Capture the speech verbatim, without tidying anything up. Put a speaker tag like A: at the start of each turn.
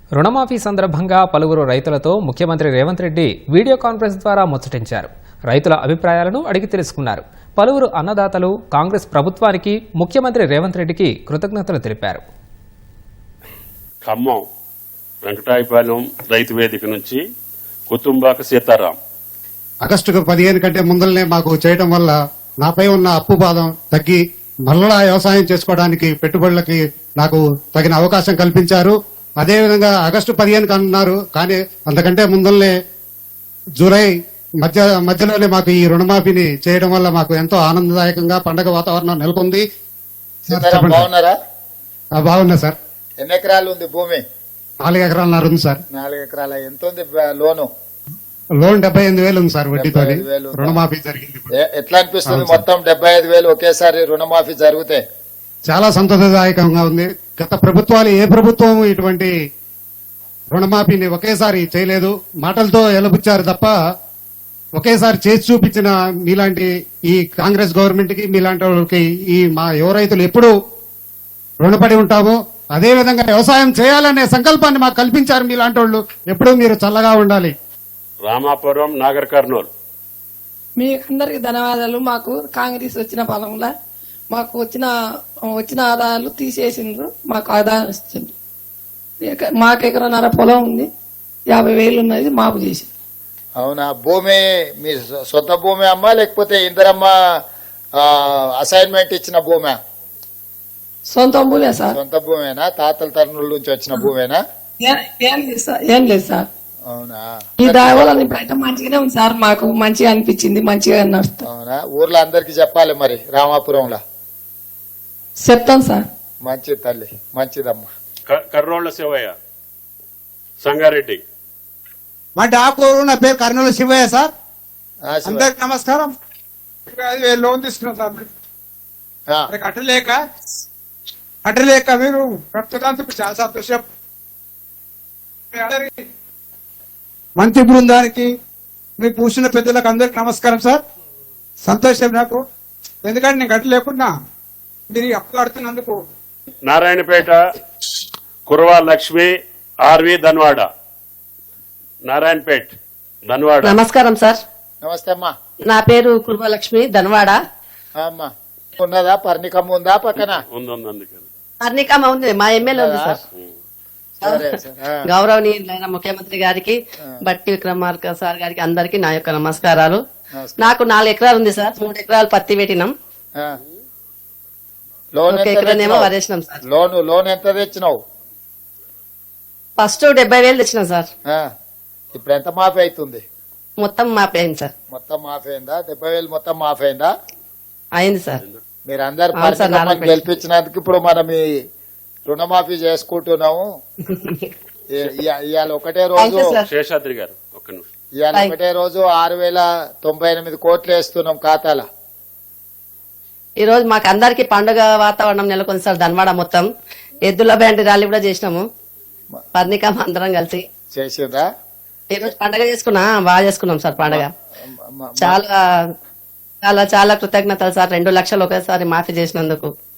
A: రుణమాఫీ సందర్భంగా పలువురు రైతులతో ముఖ్యమంత్రి రేవంత్ రెడ్డి వీడియో కాన్ఫరెన్స్ ద్వారా ముచ్చటించారు. రైతుల అభిప్రాయాలను అడిగి తెలుసుకున్నారు. పలువురు అన్నదాతలు కాంగ్రెస్ ప్రభుత్వానికి ముఖ్యమంత్రి రేవంత్ రెడ్డికి కృతజ్ఞతలు తెలిపారు.
B: ఖమ్మం వెంకటాయపాలెం రైతు వేదిక నుంచి కుతుంబాక సీతారాం.
C: ఆగస్టు పదిహేను కంటే ముందరనే మాకు చేయడం వల్ల నాపై ఉన్న అప్పు బాధం తగ్గి మళ్ళా వ్యవసాయం చేసుకోవడానికి పెట్టుబడులకి నాకు తగిన అవకాశం కల్పించారు. అదేవిధంగా ఆగస్టు పదిహేను అన్నారు, కానీ అంతకంటే ముందరనే జూలై మధ్య మధ్యలోనే మాకు ఈ రుణమాఫీని చేయడం వల్ల మాకు ఎంతో ఆనందదాయకంగా పండగ వాతావరణం నెలకొంది.
D: బాగున్నారా?
C: బాగున్నా సార్.
D: ఎన్ని ఎకరాలు ఉంది భూమి?
C: నాలుగు ఎకరాలన్నర ఉంది సార్.
D: నాలుగు ఎకరాల ఎంత ఉంది లోను?
C: లోన్ డెబ్బై ఎనిమిది వేలు ఉంది సార్. వడ్డీతో రుణమాఫీ జరిగింది.
D: ఎట్లా అనిపిస్తుంది మొత్తం డెబ్బై ఐదు వేలు ఒకేసారి రుణమాఫీ జరిగితే?
C: చాలా సంతోషదాయకంగా ఉంది. గత ప్రభుత్వాలు ఏ ప్రభుత్వం ఇటువంటి రుణమాఫీని ఒకేసారి చేయలేదు. మాటలతో ఎలబుచ్చారు తప్ప ఒకేసారి చేసి చూపించిన మీలాంటి ఈ కాంగ్రెస్ గవర్నమెంట్ కి, మీలాంటి వాళ్ళకి ఈ మా యువ రైతులు ఎప్పుడూ రుణపడి ఉంటాము. అదేవిధంగా వ్యవసాయం చేయాలనే సంకల్పాన్ని మాకు కల్పించారు మీలాంటి వాళ్ళు. ఎప్పుడూ మీరు చల్లగా ఉండాలి.
B: రామాపురం నాగర్ కర్నూలు.
E: మీ అందరికి ధన్యవాదాలు. మాకు కాంగ్రెస్ వచ్చిన పొలంలో మాకు వచ్చిన వచ్చిన ఆదాయాలు తీసేసిండ్రు. మాకు ఆదాయం వస్తుంది. మాకు ఎకరన్నర పొలం ఉంది, యాభై వేలు ఉన్నది మాపు చేసి.
D: అవునా? భూమి మీ సొంత భూమి అమ్మా లేకపోతే ఇందరమ్మ అసైన్మెంట్ ఇచ్చిన భూమి?
E: సొంత భూమే సార్.
D: సొంత భూమేనా? తాతల తరుణుల నుంచి వచ్చిన భూమేనా?
E: ఏం లేదు సార్. ఏం లేదు సార్.
D: అవునా?
E: ఈ దావల బయట మంచిగానే ఉంది సార్. మాకు మంచిగా అనిపించింది, మంచిగా నడుస్తుంది.
D: అవునా? ఊర్లో అందరికి చెప్పాలి మరి. రామాపురంలో
E: చెప్తాం సార్.
D: మంచి తల్లి, మంచిదమ్మా.
B: కర్రోళ్ల శివయ్య సంగారెడ్డి.
F: మా డాకూరు, నా పేరు కర్నూలు శివయ్య సార్. అందరికి నమస్కారం. ఐదు వేలు లోన్ తీసుకున్నాం సార్. కట్టలేక కట్టలేక మీరు కట్టుదందుకు చాలా సంతోషం. మంత్రి బృందానికి, మీరు కూర్చున్న పెద్దలకు అందరికి నమస్కారం సార్. సంతోషం నాకు, ఎందుకంటే నేను కట్టలేకున్నా మీరు అప్పు కడుతున్నందుకు.
B: నారాయణపేట కుర్వా లక్ష్మి ఆర్వి ధన్వాడ. నారాయణపేట ధన్వాడ.
G: నమస్కారం సార్.
D: నమస్తే అమ్మా.
G: నా పేరు కుర్వా లక్ష్మి ధన్వాడ.
D: అమ్మా ఉన్నదా? పర్ణికమ్మ ఉందా పక్కన?
B: ఉంది.
G: పర్ణికమ్మ ఉంది, మా ఎమ్మెల్యే ఉంది సార్. గౌరవనీయులైన ముఖ్యమంత్రి గారికి, బట్టి విక్రమార్క సార్ గారికి అందరికి నా యొక్క నమస్కారాలు. నాకు నాలుగు ఎకరాలు ఉంది సార్. మూడు ఎకరాలు పత్తి పెట్టినాం, ఒక ఎకరానేమో వరేసినాం సార్.
D: లోన్ లోన్ ఎంత తెచ్చినావు?
G: ఫస్ట్ డెబ్బై వేలు తెచ్చినాం సార్.
D: ఇప్పుడు ఎంత మాఫీ అవుతుంది?
G: మొత్తం మాఫీ అయింది సార్.
D: మొత్తం మాఫీ అయిందా? డెబ్బై వేలు మొత్తం మాఫీ అయిందా?
G: అయింది సార్.
D: మీరు అందరు గెలిపించినందుకు ఇప్పుడు మనం ఈ రుణమాఫీ చేసుకుంటున్నాము. ఇవాళ ఒకటే రోజు
B: శేషాద్రి గారు
D: ఇవాళ ఒకటే రోజు ఆరు వేల తొంభై ఎనిమిది కోట్లు వేస్తున్నాం ఖాతాల.
G: ఈ రోజు మాకు అందరికి పండుగ వాతావరణం నెలకొంది సార్. ధన్వాడ మొత్తం ఎద్దుల బ్యాండ్ ర్యాలీ కూడా చేసినాము, పర్ణికమ్మ అందరం కలిసి
D: చేసిందా?
G: ఈ రోజు పండుగ చేసుకున్నా, బాగా చేసుకున్నాం సార్ పండుగ. చాలా చాలా చాలా కృతజ్ఞతలు సార్. రెండు లక్షలు ఒకేసారి మాఫీ చేసినందుకు.